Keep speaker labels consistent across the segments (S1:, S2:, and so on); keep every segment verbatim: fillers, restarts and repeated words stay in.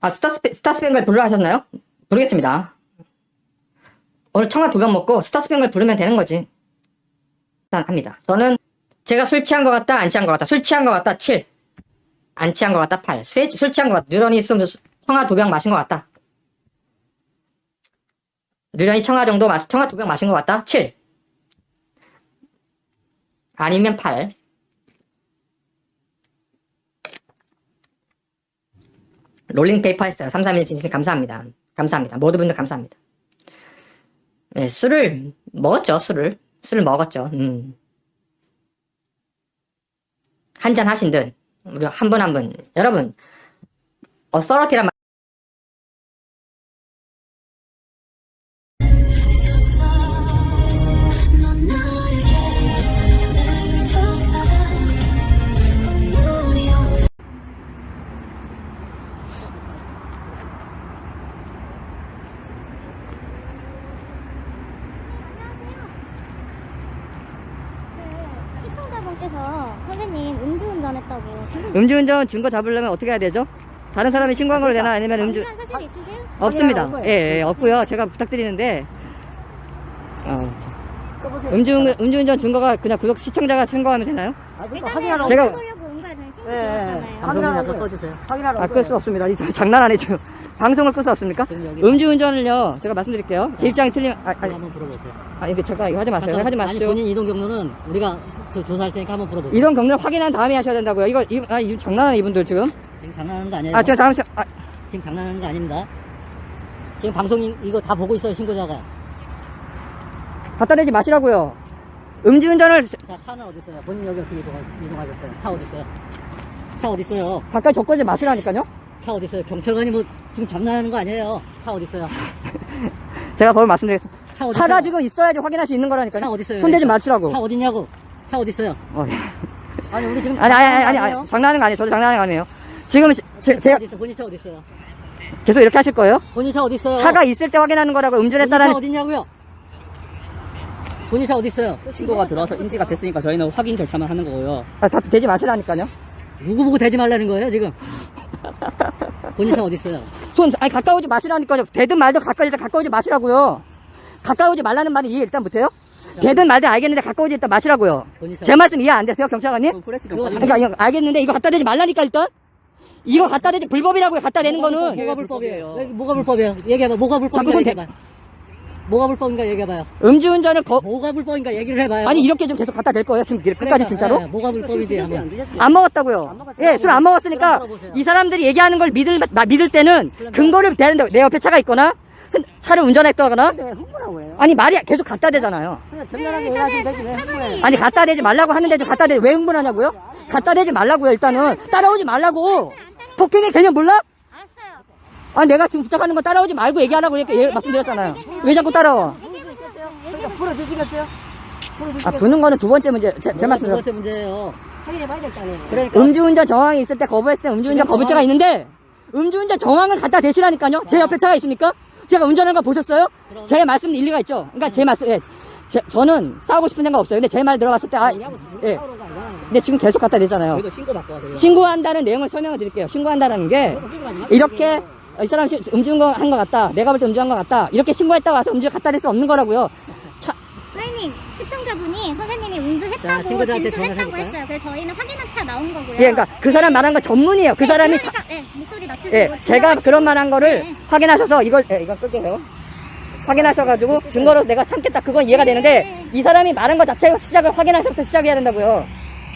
S1: 아, 스타, 스타스뱅글 부르라 하셨나요? 부르겠습니다. 오늘 청아 두 병 먹고 스타스뱅글 부르면 되는 거지. 일단 합니다. 저는 제가 술 취한 것 같다, 안 취한 것 같다. 술 취한 것 같다, 칠. 안 취한 것 같다, 팔. 술, 술 취한 것 같다. 누런이 있으면 청아 두 병 마신 것 같다. 누런이 청아 정도 마시, 청아 두 병 마신 것 같다, 칠. 아니면 팔. 롤링페이퍼 했어요. 삼삼일 진심 감사합니다. 감사합니다. 모든 분들 감사합니다. 네, 술을 먹었죠. 술을. 술을 먹었죠. 음. 한잔 하신 듯. 우리 한 분 한 분. 여러분, 어서러티란 말.
S2: 시청자분께서 선생님 음주운전 했다고 신고.
S1: 음주운전 증거 잡으려면 어떻게 해야 되죠? 다른 사람이 신고한 걸로 되나? 아니면 음주
S2: 확인한 사실 있으세요?
S1: 없습니다. 예, 예, 없고요. 제가 부탁드리는데 어, 음주 음주운전 증거가 그냥 구독 시청자가 신고하면 되나요?
S3: 아, 그러니까
S2: 일단은
S3: 확인하러
S1: 제가-
S2: 해보려고 응가에 저희 신고
S3: 예, 예.
S2: 드렸잖아요.
S3: 확인하러
S4: 방송이나
S3: 오고요.
S4: 꺼주세요.
S3: 확인하러
S1: 아, 끌 수 없습니다. 이 장난 아니죠. 방송을 끌 수 없습니까?
S4: 지금 여기
S1: 음주운전을요. 제가 말씀드릴게요. 제 입장이 틀리면 아,
S4: 이거
S1: 아니,
S4: 한번 물어보세요.
S1: 아 이거 제가 이거 하지 마세요.
S4: 잠깐,
S1: 하지
S4: 아니
S1: 마세요.
S4: 본인 이동 경로는 우리가 저 조사할 테니까 한번 물어보세요.
S1: 이동 경로를 확인한 다음에 하셔야 된다고요. 이거 이, 아, 이 장난하네 이분들 지금.
S4: 지금 장난하는 거 아니에요?
S1: 아, 제가 잠시만. 아,
S4: 지금 장난하는 거 아닙니다. 지금 방송 이거 다 보고 있어요 신고자가.
S1: 갖다 대지 마시라고요. 음주운전을
S4: 자 차는 어디 있어요? 본인 여기 어떻게 이동하, 이동하겠어요? 차 어디 있어요? 차 어디 있어요?
S1: 가까이 접근하지 마시라니까요.
S4: 차 어디 있어요? 경찰관이 뭐 지금 장난하는 거 아니에요? 차 어디 있어요?
S1: 제가 바로 말씀드리겠습니다.
S4: 차 어디
S1: 차가
S4: 있어요?
S1: 지금 있어야지 확인할 수 있는 거라니까요.
S4: 차 어디 있어요?
S1: 손대지
S4: 그러니까.
S1: 마시라고.
S4: 차 어디 있냐고? 차 어디 있어요?
S1: 어, 예.
S4: 아니 우리 지금
S1: 아니, 아니, 아니, 아니,
S4: 아니에요?
S1: 아니, 장난하는 거 아니에요. 저도 장난하는 거 아니에요. 지금 시- 제,
S4: 차
S1: 제가
S4: 어디 있어? 본인 차 어디 있어요?
S1: 계속 이렇게 하실 거예요?
S4: 본인 차 어디 있어요?
S1: 차가 있을 때 확인하는 거라고
S4: 본인 차
S1: 음주했다라는.
S4: 어디 있냐고요? 본인 차 어디 있어요?
S5: 신고가 들어와서 인지가 됐으니까 저희는 확인 절차만 하는 거고요.
S1: 아, 다 대지 마시라니까요.
S4: 누구 보고 대지 말라는 거예요 지금? 본인 차 어디 있어요?
S1: 손, 아니, 가까우지 마시라니까요. 대든 말든 가까이, 일단 가까우지 마시라고요. 가까우지 말라는 말은 이해 일단 못해요? 대든 말든 알겠는데 가까우지 일단 마시라고요.
S4: 본인 차
S1: 제 말씀 이해 안 되세요, 경찰관님?
S5: 그럼 프레시 좀
S4: 그거
S5: 꺼주세요.
S1: 그러니까 이거 알겠는데 이거 갖다 대지 말라니까 일단? 이거 갖다 대지 불법이라고요, 갖다 대는 거는.
S4: 뭐가
S5: 불법이에요.
S4: 불법이에요? 여기 뭐가 불법이에요? 얘기해봐. 뭐가
S1: 자꾸
S4: 불법인가
S1: 손 대-
S4: 얘기해봐. 뭐가 불법인가 얘기해봐요.
S1: 음주운전을 거,
S4: 뭐가 불법인가 얘기를 해봐요.
S1: 아니, 이렇게 좀 계속 갖다 댈 거예요, 지금 끝까지
S4: 그러니까,
S1: 진짜로?
S4: 예, 뭐가 불법인지 한번.
S1: 안 먹었다고요. 예, 술 안 먹었으니까
S4: 그럼 물어보세요.
S1: 이 사람들이 얘기하는 걸 믿을, 나, 믿을 때는 근거를 대는데 내 옆에 차가 있거나 흔- 차를 운전했다거나
S3: 네, 흥분하고 해요.
S1: 아니 말이 계속 갖다 대잖아요.
S3: 그냥 정나라하게 해가지고 되지 왜 흥분해.
S1: 아니 갖다 대지 말라고 하는데 좀 갖다 대 왜 흥분하냐고요? 갖다 대지 말라고요. 일단은 따라오지 말라고. 폭행의 개념 몰라?
S2: 알았어요.
S1: 아 내가 지금 부탁하는 거 따라오지 말고 얘기하라고 이렇게 예- 말씀드렸잖아요. 왜 자꾸 따라와?
S3: 그러니까 풀어주시겠어요?
S1: 아
S3: 풀어주시겠어요?
S1: 부는 거는 두 번째 문제. 제, 제
S4: 뭐가 두
S1: 말씀대로.
S4: 번째 문제예요.
S3: 확인해봐야 될 거 아니에요.
S4: 그러니까
S1: 음주운전 정황이 있을 때 거부했을 때 음주운전 거부죄가 있는데 음주운전 정황을 갖다 대시라니까요. 제 옆에 차가 있습니까? 제가 운전하는 거 보셨어요? 제 말씀 일리가 있죠. 그러니까 제 말씀, 예. 제, 저는 싸우고 싶은 생각 없어요. 근데 제 말 들어봤을 때, 아, 예.
S3: 싸우는 거 아니잖아요.
S1: 근데 지금 계속 갖다 대잖아요.
S5: 저희도 신고 받고 와서.
S1: 신고한다는 내용을 설명을 드릴게요. 신고한다는 게 이렇게 이 사람 시- 음주운전 한 것 같다. 내가 볼 때 음주한 것 같다. 이렇게 신고했다고 와서 음주 갖다 댈 수 없는 거라고요. 차,
S2: 선생님, 시청자분이 선생님이
S4: 자,
S2: 음주했다고
S4: 신고자한테
S2: 진술했다고
S4: 전화해볼까요?
S2: 했어요. 그래서 저희는 확인한 차 나온 거고요.
S1: 예, 그러니까 그 사람 말한 건 전문이에요. 그
S2: 네,
S1: 사람이 차,
S2: 그러니까, 네, 목소리 낮추시고
S1: 예, 제가 그런 말한 거를
S2: 네.
S1: 확인하셔서 이걸, 예, 이건 끌게요. 확인하셔가지고 증거로 내가 참겠다. 그건 이해가 되는데 이 사람이 말한 것 자체가 시작을 확인하셔서 시작해야 된다고요.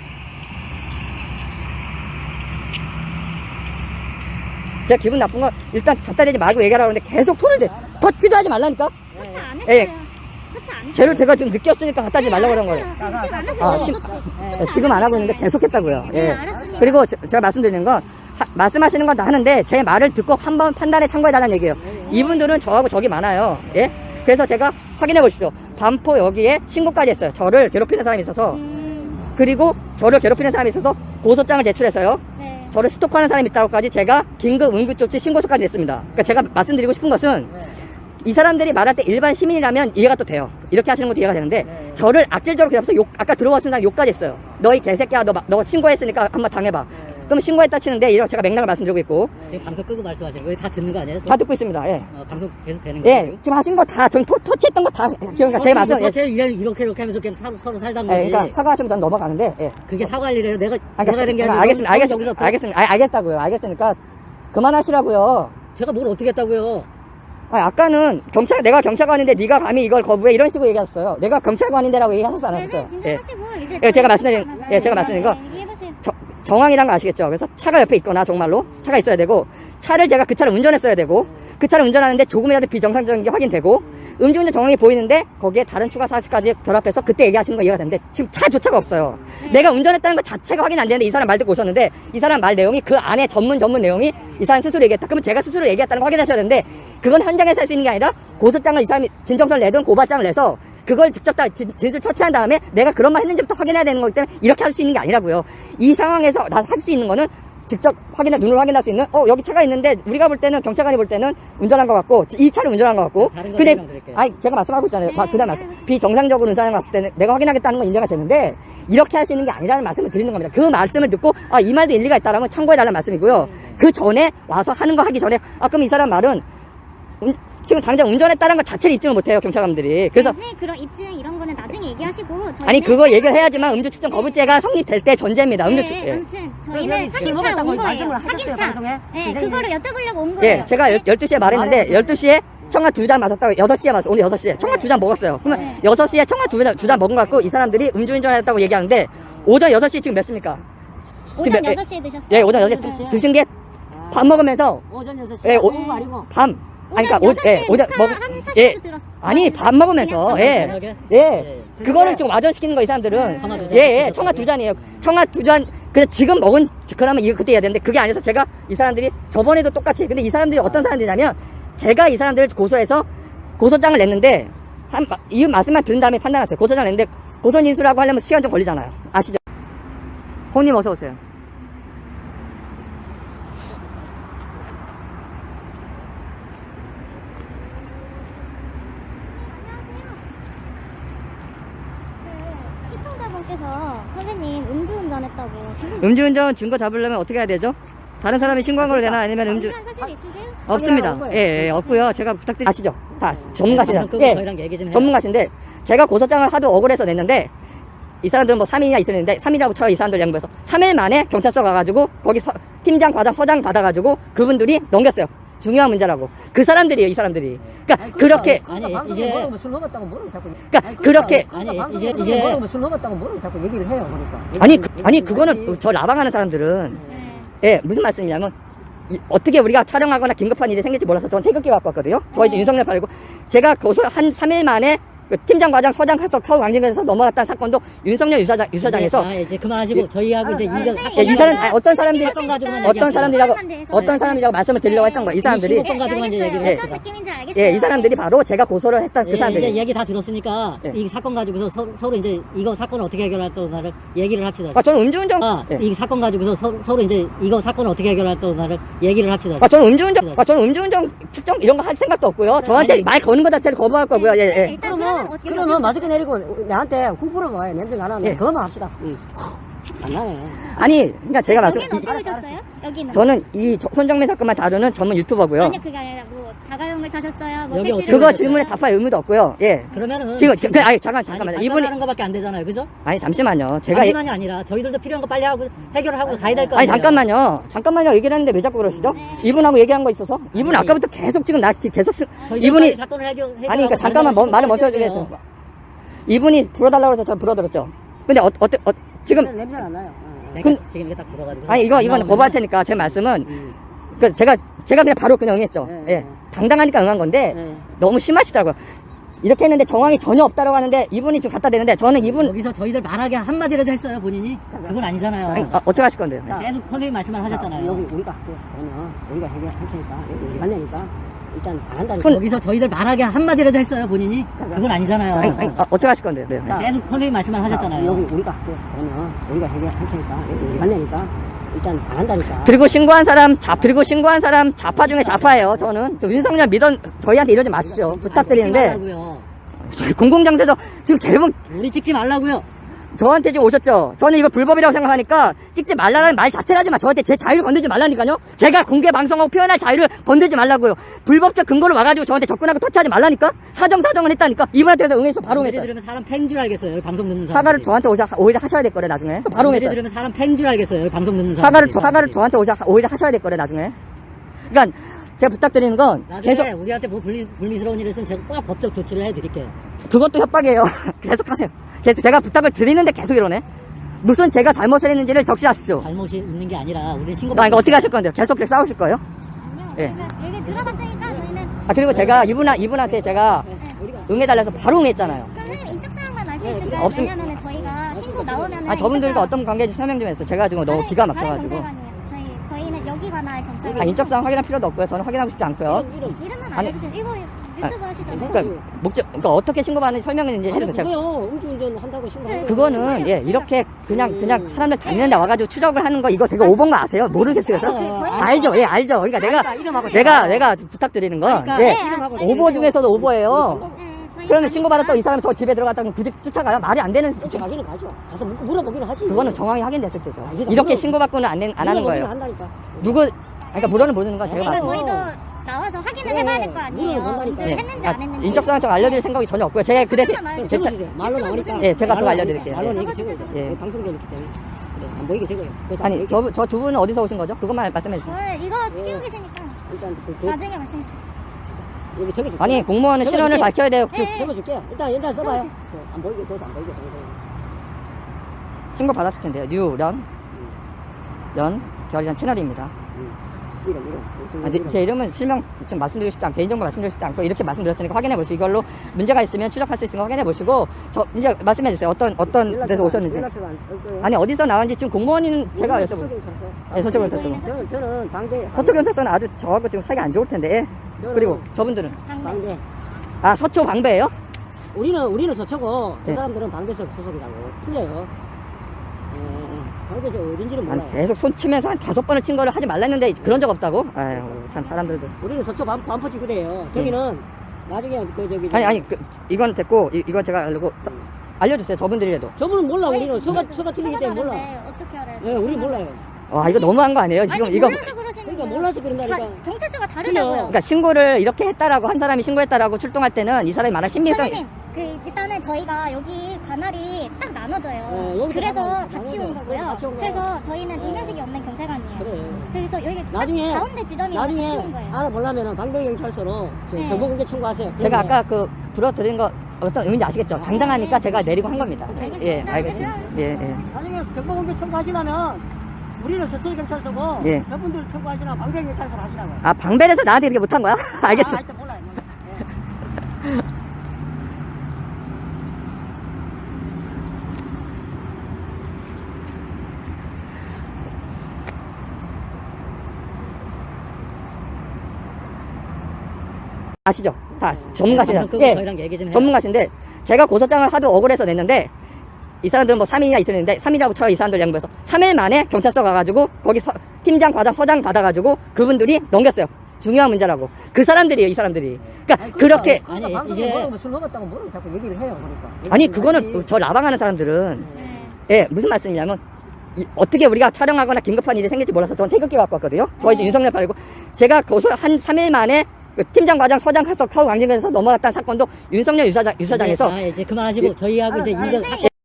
S1: 제가 기분 나쁜 건 일단 갖다 대지 말고 얘기하라고 하는데 계속 손을 대. 터치도 하지 말라니까?
S2: 터치 안
S1: 예.
S2: 했어요. 터치 안 했어요.
S1: 쟤를 제가 지금 느꼈으니까 갖다 대지 말라고 그런 거예요.
S2: 터치 안 했어요.
S1: 아, 시, 예, 지금 안 하고 있는데 계속 했다고요.
S2: 네,
S1: 예.
S2: 알았습니다.
S1: 그리고 저- 제가 말씀드리는 건 하- 말씀하시는 건 다 하는데 제 말을 듣고 한번 판단에 참고해달라는 얘기예요. 이분들은 저하고 적이 많아요. 예? 그래서 제가 확인해 보십시오. 반포 여기에 신고까지 했어요. 저를 괴롭히는 사람이 있어서.
S2: 음,
S1: 그리고 저를 괴롭히는 사람이 있어서 고소장을 제출해서요.
S2: 네.
S1: 저를 스토커하는 사람이 있다고까지 제가 긴급 응급조치 신고서까지 냈습니다. 그러니까 제가 말씀드리고 싶은 것은 이 사람들이 말할 때 일반 시민이라면 이해가 또 돼요. 이렇게 하시는 것도 이해가 되는데
S3: 네.
S1: 저를 악질적으로 괴롭혀서 욕, 아까 들어왔을 때 욕까지 했어요. 너희 개새끼야, 너, 마- 너 신고했으니까 한번 당해봐. 그럼 신고했다 치는데 이런 제가 맥락을 말씀드리고 있고
S4: 지금 방송 끄고 말씀하시는 거예요? 다 듣는 거 아니에요?
S1: 다 듣고 있습니다. 예.
S4: 어, 방송 계속 되는 거예요?
S1: 예, 지금 하신 거 다, 전 토, 터치했던 거 다, 기억나, 제 말씀, 예.
S4: 제 이렇게 이렇게 하면서 그냥 서로, 서로 살던
S1: 예,
S4: 거지.
S1: 그러니까 사과하시면 전 넘어가는데, 예.
S4: 그게 사과할 일이에요. 내가
S1: 아,
S4: 내가 이런 게 아니라
S1: 알겠습니다,
S4: 너무
S1: 알겠습니다,
S4: 여기서
S1: 알겠습니다, 알, 알겠다고요, 알겠으니까 그만하시라고요.
S4: 제가 뭘 어떻게 했다고요?
S1: 아, 아까는 경찰, 내가 경찰관인데 네가 감히 이걸 거부해 이런 식으로 얘기하셨어요. 내가 경찰관인데라고 얘기하셨어 안
S2: 네,
S1: 하셨어요?
S2: 네,
S1: 예.
S2: 진정하시고 이제
S1: 예, 제가
S2: 저희
S1: 말씀드린-
S2: 얘기하잖아요.
S1: 예, 제가 말씀드린 거.
S2: 네, 얘기해보세요.
S1: 저, 정황이란 거 아시겠죠? 그래서 차가 옆에 있거나 정말로 차가 있어야 되고 차를 제가 그 차를 운전했어야 되고 그 차를 운전하는데 조금이라도 비정상적인 게 확인되고 음주운전 정황이 보이는데 거기에 다른 추가 사실까지 결합해서 그때 얘기하시는 거 이해가 되는데 지금 차조차가 없어요.
S2: 네.
S1: 내가 운전했다는 것 자체가 확인 안 되는데 이 사람 말 듣고 오셨는데 이 사람 말 내용이 그 안에 전문 전문 내용이 이 사람 스스로 얘기했다. 그러면 제가 스스로 얘기했다는 거 확인하셔야 되는데 그건 현장에서 할 수 있는 게 아니라 고소장을 이 사람이 진정서를 내든 고발장을 내서 그걸 직접 다 진- 진술 처치한 다음에 내가 그런 말 했는지부터 확인해야 되는 거기 때문에 이렇게 할 수 있는 게 아니라고요. 이 상황에서 나 할 수 있는 거는 직접 확인해 눈으로 확인할 수 있는 어 여기 차가 있는데 우리가 볼 때는 경찰관이 볼 때는 운전한 것 같고 이 차를 운전한 것 같고
S4: 다른 거
S1: 근데
S4: 설명드릴게요.
S1: 아니 제가 말씀하고 있잖아요.
S2: 네,
S1: 그다음 말씀 비정상적으로 운전해 갔을 때는 내가 확인하겠다는 건 인정이 되는데 이렇게 할 수 있는 게 아니라는 말씀을 드리는 겁니다. 그 말씀을 듣고 아 이 말도 일리가 있다라면 참고해 달라는 말씀이고요. 그 전에 와서 하는 거 하기 전에 아 그럼 이 사람 말은 운- 지금 당장 운전했다는 것 자체를 입증을 못해요 경찰관들이. 그래서
S2: 네, 그런 입증 이런 거는 나중에 얘기하시고 저희는
S1: 아니 그거 얘기를 해야지만 음주 측정 거부죄가 성립될 때 전제입니다. 음주 측.
S2: 네,
S1: 예.
S2: 아무튼
S3: 그럼
S2: 저희는
S3: 여기
S2: 확인차
S3: 먹었다고
S2: 온 거예요.
S3: 말씀을 하셨어요,
S2: 확인차.
S3: 방송에?
S2: 네,
S3: 선생님.
S2: 그거를 여쭤보려고 온 거예요.
S1: 예, 제가 열, 열두 시에 말했는데 열두 시에 청아 두 잔 마셨다고 여섯 시에 마셨어요. 오늘 여섯 시에 청아 두 잔 먹었어요. 그러면
S2: 네.
S1: 여섯 시에 청아 두 잔, 두 잔 먹은 것 같고 이 사람들이 음주운전했다고 얘기하는데 오전 여섯 시 지금 몇 시입니까?
S2: 오전
S1: 지금 몇-
S2: 여섯 시에 드셨어요?
S1: 예, 오전 여섯 시
S3: 여섯 시에?
S1: 드신 게 밥 먹으면서
S3: 오전 여섯 시.
S1: 예, 오-
S3: 오후 아니고.
S1: 밤 아니 그러니까
S2: 오전
S1: 오, 예, 오전 먹
S2: 녹화하는
S1: 예.
S2: 사실도 들었어요.
S1: 아니 밥 먹으면서
S2: 그냥
S1: 예.
S4: 저녁에?
S1: 예.
S4: 예.
S1: 그거를 지금 와전시키는 거 이 사람들은
S4: 청아 두 잔
S1: 예, 예.
S4: 드셨다고요?
S1: 청아 두 잔이에요. 청아 두 잔. 근데 지금 먹은 그러면 이거 그때 해야 되는데 그게 아니어서 제가 이 사람들이 저번에도 똑같이 근데 이 사람들이 어떤 사람들이냐면 제가 이 사람들을 고소해서 고소장을 냈는데 한 이 말씀만 들은 다음에 판단했어요. 고소장을 냈는데 고소 인수라고 하려면 시간 좀 걸리잖아요. 아시죠? 호님 어서 오세요.
S2: 그 시청자분께서 선생님 음주운전했다고 지금
S1: 음주운전 증거 잡으려면 어떻게 해야 되죠? 다른 사람이 신고한 걸로 되나 아니면 음주
S2: 방한 사실 있으세요?
S1: 없습니다.
S3: 확인하는
S1: 예,
S3: 거예요.
S1: 예, 없고요. 제가 부탁드리 아시죠? 다 전문가시잖아요.
S4: 방송 끄고
S1: 예.
S4: 저희랑 얘기 좀 해요.
S1: 전문가신데 제가 고소장을 하도 억울해서 냈는데 이 사람들은 뭐 삼 일이나 이틀 했는데 삼 일이라고 쳐요. 이 사람들 양보해서 삼 일 만에 경찰서 가가지고 거기 서, 팀장 과장 서장 받아가지고 그분들이 넘겼어요. 중요한 문제라고. 그 사람들이에요. 이 사람들이. 그러니까
S3: 아니,
S1: 그렇게
S3: 그러니까
S4: 아니,
S3: 방송에
S4: 이제-
S3: 뭐라고 술 먹었다고 뭐라고 자꾸.
S1: 그러니까 그렇게-
S3: 그러니까
S4: 아니,
S3: 방송에
S4: 이제-
S3: 그렇게
S4: 이제-
S3: 뭐라고 술 먹었다고 뭐라고 자꾸 얘기를 해요. 그러니까.
S1: 아니
S3: 얘기-
S1: 그, 아니
S3: 얘기
S1: 그거는
S3: 하지.
S1: 저 라방하는 사람들은
S2: 네.
S1: 예 무슨 말씀이냐면 이- 어떻게 우리가 촬영하거나 긴급한 일이 생길지 몰라서 저는 태극기 갖고 왔거든요. 저 이제
S2: 네.
S1: 윤석열 팔고 제가 고소 한 삼 일 만에 그 팀장 과장 서장 가서 서울 왕진에서 넘어갔다는 사건도 윤석열 유사장 유사장에서
S4: 아, 이제 그만하시고 저희하고 이제
S3: 알았어,
S4: 이거
S3: 알았어.
S1: 예, 이 사람 아니, 어떤 사람들이
S4: 사건 가지고만
S1: 어떤
S4: 얘기하세요.
S1: 사람들이라고
S2: 사건에 대해서
S1: 어떤 사람들이라고 말씀을 드리려고 했던 거예요. 이 사람들이
S4: 이십오 건 가지고만 이제
S2: 알겠어요.
S4: 얘기를
S2: 어떤
S4: 해요.
S2: 느낌인지 알겠어요.
S1: 예, 이 사람들이 바로 제가 고소를 했던 그
S4: 예, 이제
S1: 사람들이.
S4: 얘기 다 들었으니까
S1: 예.
S4: 이 사건 가지고서 서, 서로 이제 이거 사건을 어떻게 해결할 거를 얘기를 합시다.
S1: 아, 저는 음주운전.
S4: 아,
S1: 예.
S4: 이 사건 가지고서 서, 서로 이제 이거 사건을 어떻게 해결할 거를 얘기를 합시다.
S1: 아, 저는 음주운전. 아, 저는 음주운전 측정 이런 거 할 생각도 없고요. 저한테
S4: 아니.
S1: 말 거는 거 자체를 거부할 거고요. 예, 예.
S2: 일단 그러면
S3: 그러면
S2: 어떻게
S3: 그러면 마스크 내리고 나한테 후불어 와요. 냄새 나는데
S1: 예.
S3: 그거만 합시다. 안 나네.
S1: 아니, 그러니까 제가 말씀.
S2: 여기는 어떻게
S3: 알았어,
S2: 오셨어요? 여기는
S1: 저는 이 저- 손정민 사건만 다루는 전문 유튜버고요.
S2: 아니 그게 아니라 뭐 자가용을 타셨어요? 뭐
S4: 여기
S2: 택시를
S4: 어떻게
S1: 그거
S2: 타셨어요?
S1: 질문에 답할 의무도 없고요. 예.
S4: 그러면은
S1: 지금 그, 그, 아니 잠깐 잠깐만요.
S4: 아니,
S1: 이분이
S4: 하는 거밖에 안 되잖아요, 그죠?
S1: 아니 잠시만요. 제가 예-
S4: 잠시만이 아니라 저희들도 필요한 거 빨리 하고 해결을 하고 가야 될 거
S1: 아니
S4: 아니에요.
S1: 잠깐만요. 잠깐만요. 얘기를 했는데 왜 자꾸 그러시죠? 이분하고 얘기한 거 있어서 이분
S4: 아니.
S1: 아까부터 계속 지금 나 계속 쓰-
S4: 저희들
S1: 이분이
S4: 빨리 사건을 해결 해결하고
S1: 아니 그러니까
S4: 다른
S1: 잠깐만
S4: 사람을
S1: 뭐, 말을 멈춰
S4: 신고해야
S1: 주세요.
S4: 돼요.
S1: 이분이 불어달라고 해서 저 불어들었죠. 근데 어, 어때 어, 지금
S3: 냄새 안 나요. 어.
S4: 그러니까
S1: 근-
S4: 지금 이게 딱 들어가지고
S1: 아니 이거 이건
S4: 나오면은-
S1: 거부할 테니까 제 말씀은
S4: 음.
S1: 그 제가 제가 그냥 바로 그냥 응했죠.
S3: 네,
S1: 예.
S3: 네.
S1: 당당하니까 응한 건데
S3: 네.
S1: 너무 심하시더라고요. 이렇게 했는데 정황이 전혀 없다라고 하는데 이분이 지금 갖다 대는데 저는 이분
S4: 여기서 저희들 말하게 한마디라도 했어요, 본인이? 그건 아니잖아요.
S1: 아니, 아, 어떻게 하실 건데요?
S3: 자,
S4: 계속 선생님 말씀을 하셨잖아요.
S3: 여기 우리가 할게요. 그러면 우리가 해결할 테니까 여기 우리 만나니까 일단 안 한다니까.
S1: 그건-
S4: 여기서 저희들 말하게 한마디라도 했어요, 본인이? 그건 아니잖아요.
S1: 아니, 아니, 아, 어떻게 하실 건데요? 네.
S3: 자,
S4: 계속 선생님 말씀을 하셨잖아요.
S3: 여기 우리가 할게요. 그러면 우리가 해결할 테니까 여기 우리 만나니까 일단 안 한다니까.
S1: 그리고 신고한 사람 잡 그리고 신고한 사람 자파 중에 자파예요. 저는 저 윤석열 믿은 저희한테 이러지 마십시오. 부탁드리는데
S4: 찍지 말라고요.
S1: 공공장소에서 지금 대부분
S4: 우리 찍지 말라고요.
S1: 저한테 지금 오셨죠? 저는 이거 불법이라고 생각하니까 찍지 말라는 말 자체를 하지 마. 저한테 제 자유를 건들지 말라니까요. 제가 공개 방송하고 표현할 자유를 건들지 말라고요. 불법적 근거를 와가지고 저한테 접근하고 터치하지 말라니까. 사정 사정을 했다니까. 이분한테서 응해서 바로
S4: 예를
S1: 응했어요.
S4: 들으면 사람 팽 줄 알겠어요. 여기 방송 듣는 사람.
S1: 사과를 저한테 오자, 오히려 하셔야 될 거래 나중에. 바로
S4: 예를
S1: 응했어요.
S4: 들으면 사람 팽 줄 알겠어요. 여기 방송 듣는 사람.
S1: 사과를 저- 사과를 저한테 오자, 오히려 하셔야 될 거래 나중에. 그러니까 제가 부탁드리는 건
S4: 나중에
S1: 계속
S4: 우리한테 뭐 불미, 불미스러운 일 있으면 제가 꼭 법적 조치를 해드릴게요.
S1: 그것도 협박이에요. 계속 하세요. 계속 제가 부탁을 드리는데 계속 이러네. 무슨 제가 잘못을 했는지를 적시하십시오.
S4: 잘못이 있는 게 아니라 우리는 친구.
S1: 나 이거 어떻게 하실 건데요? 계속 그렇게 싸우실 거예요?
S2: 아니요.
S1: 예.
S2: 그러니까 얘기 들어봤으니까 저희는
S1: 아 그리고 제가 이분 이분한테 제가 응해달라서 바로 응했잖아요.
S2: 선생님 인적 사항만 알 수
S4: 네,
S2: 있을까요?
S1: 없음-
S2: 왜냐면은 저희가 신고 나오면은
S1: 아 저분들과
S2: 인적
S1: 어떤 관계인지 설명 좀 해주세요. 제가 지금 너무
S2: 사항-
S1: 기가
S2: 다른-
S1: 막혀가지고.
S2: 다른 경찰관이에요. 저희 저희는 여기 관할 경찰관.
S1: 아 인적사항 확인할 필요도 없고요. 저는 확인하고 싶지 않고요.
S3: 이름, 이름.
S2: 이름만
S1: 아니-
S2: 알려주세요. 이거 유튜브 하시잖아요.
S1: 그러니까 목적, 그러니까 어떻게 신고받는지 설명했는지
S3: 아니,
S1: 해주세요. 제가
S3: 그거요. 음주운전 한다고 신고하고.
S1: 그거는 예 이렇게 그냥 그냥 사람들 다니는데 와가지고 추적을 하는 거 이거 되게 오버인 거 아세요? 모르겠어요. 저?
S3: 아,
S2: 아,
S1: 알죠, 예 알죠. 그러니까 내가
S3: 그러니까 이름하고
S1: 내가
S3: 다.
S1: 내가 부탁드리는 건
S3: 그러니까
S1: 예
S3: 이름하고
S1: 오버 중에서도 오버예요.
S2: 네, 저희
S1: 그러면
S2: 가니까-
S1: 신고받았다고 이 사람이 저 집에 들어갔다고 굳이 쫓아가요? 말이 안 되는.
S3: 쫓아 가기는 가죠. 가서 물- 물어보기는 하지.
S1: 그거는 정황이 확인됐을 때죠.
S3: 아, 이거
S1: 이렇게
S3: 물어-
S1: 신고받고는 안, 된- 안 하는
S3: 물어보기는
S1: 거예요.
S3: 한다니까.
S1: 누구, 그러니까 물어는 모르는 건 제가
S2: 그러니까
S1: 봤어요.
S2: 저희도 나와서 확인을
S3: 그래,
S2: 해봐야 될 거
S3: 물어는
S2: 아니에요.
S3: 본다니까.
S2: 인증을
S1: 예.
S2: 했는지
S1: 아,
S2: 안 했는지.
S1: 인적사항 좀 알려드릴 생각이 전혀 없고요. 제가 그 대신
S2: 말해요.
S1: 제 차-
S3: 적어주세요. 말로 나오니까.
S1: 예, 제가 그거
S3: 말로
S1: 알려드릴게요.
S3: 말로
S1: 예.
S3: 얘기
S2: 적어주세요.
S3: 적어줘.
S1: 예.
S3: 방송되기 때문에. 그래, 안 보이게 적어요. 그래서 안
S1: 아니,
S3: 보이게.
S1: 저, 저 두 분은 어디서 오신 거죠? 그것만 말씀해 주세요.
S2: 저 이거
S3: 예.
S2: 키우고 계시니까
S3: 일단 그, 그
S2: 나중에 말씀.
S3: 여기 적어줄게.
S1: 아니, 공무원은 실언을 밝혀야 돼요.
S2: 예, 예.
S3: 적어줄게요. 일단 일단 써봐요.
S2: 적어주세요.
S3: 그, 안 보이게 써서 안 보이게 방송.
S1: 신고 받았을 텐데요. 뉴런, 연, 결이란 채널입니다.
S3: 이름 이름. 무슨
S1: 아, 네,
S3: 이름.
S1: 제 이름은 실명 좀 말씀드리고 싶지 않고 개인정보 말씀드리고 싶지 않고 이렇게 말씀드렸으니까 확인해 보시고 이걸로 문제가 있으면 추적할 수 있으면 확인해 보시고 저 이제 말씀해 주세요. 어떤 어떤 데서
S3: 연락처가-
S1: 오셨는지.
S3: 연락처가 안 쓸 거예요.
S1: 아니 어디서 나왔는지 지금 공무원인 제가
S3: 우리는
S1: 여쭤보고.
S3: 서초경찰서.
S1: 네, 서초경찰서.
S3: 저는 저는 방대.
S1: 서초경찰서는 아주 저하고 지금 사이가 안 좋을 텐데. 예. 그리고 저분들은
S2: 방금.
S3: 방대.
S1: 아 서초 방배예요?
S3: 우리는 우리는 서초고 저
S1: 네.
S3: 사람들은 방배석 소속이라고 틀려요. 예, 예. 방배 저 어딘지는
S1: 아니
S3: 몰라요.
S1: 계속 손 치면서 한 다섯 번을 친 거를 하지 말랬는데 그런 적 없다고? 아유 참 사람들도.
S3: 우리는 서초 반 반포지 그래요. 저기는 나중에 그 저기
S1: 아니 아니 그, 이건 됐고 이, 이건 제가 알고 서- 알려주세요. 저분들이라도.
S3: 저분은 몰라.
S2: 저희
S3: 우리는 서가
S2: 지금
S3: 서가 틀리기 때문에 몰라.
S2: 다른데 어떻게 알아요?
S3: 예, 우리 몰라요.
S1: 와 이거 너무한 거 아니에요? 지금
S2: 아니,
S1: 이거
S2: 몰라서 그러시는
S3: 그러니까
S2: 거예요.
S3: 몰라서 그런다니까.
S2: 자, 경찰서가 다르다고요.
S1: 그러니까 신고를 이렇게 했다라고 한 사람이 신고했다라고 출동할 때는 이 사람이 말할 심리성.
S2: 선생님, 그 일단은 저희가 여기 관할이 딱 나눠져요.
S3: 네, 여기도
S2: 그래서
S3: 나눠-
S2: 같이
S3: 나눠져요.
S2: 온
S3: 그래서
S2: 거고요.
S3: 같이 온 거예요.
S2: 그래서 저희는
S3: 네.
S2: 인면식이 없는 경찰관이에요.
S3: 그래.
S2: 그래서 여기 딱
S3: 나중에
S2: 가운데 지점이 같이
S3: 나중에
S2: 온 거예요.
S3: 알아보려면 방배경찰서로 저
S2: 네.
S3: 정보공개 청구하세요.
S1: 제가
S3: 그러면
S1: 아까 그 불어드린 거 어떤 의미인지 아시겠죠? 당당하니까 제가 내리고 한 겁니다.
S2: 알겠습니다.
S1: 예, 알겠습니다. 예, 예.
S3: 나중에 정보공개 청구하시려면 우리는 서초경찰서고
S1: 예.
S3: 저분들 청구하시나 방배경찰서로 하시라고.
S1: 아 방벨에서 나한테 이렇게 못한 거야? 알겠어.
S3: 아, 하여튼 몰라요. 몰라요. 예.
S1: 아시죠? 다 전문가시죠?
S4: 방송 끄고
S1: 예,
S4: 저희랑 얘기 좀 해요.
S1: 전문가신데 제가 고소장을 하도 억울해서 냈는데 이 사람들은 뭐 삼 일이나 이틀 했는데 삼 일이라고 쳐요. 이 사람들 양보해서 삼 일 만에 경찰서 가가지고 거기 서, 팀장 과장 서장 받아가지고 그분들이 넘겼어요. 중요한 문제라고. 그 사람들이에요. 이 사람들이. 그러니까
S3: 아니,
S1: 그렇게
S3: 그러니까
S4: 아니,
S3: 방송에
S4: 이제-
S3: 뭐라고 술 먹었다고 뭐라고 자꾸 얘기를 해요. 그러니까.
S1: 아니
S3: 얘기를
S1: 그거는
S3: 하지.
S1: 저 라방하는 사람들은
S2: 네.
S1: 예 무슨 말씀이냐면 이- 어떻게 우리가 촬영하거나 긴급한 일이 생길지 몰라서 저는 태극기 갖고 왔거든요. 저희 이제
S2: 네.
S1: 윤석열 팔고 제가 고소 한 삼 일 만에 그 팀장 과장 서장 가서 서울 왕진에서 넘어갔다는 사건도 윤석열 유사장, 유사장에서
S4: 아, 이제 그만하시고 저희하고 이제
S3: 알았어,
S4: 이제
S3: 알았어.
S2: 선생님,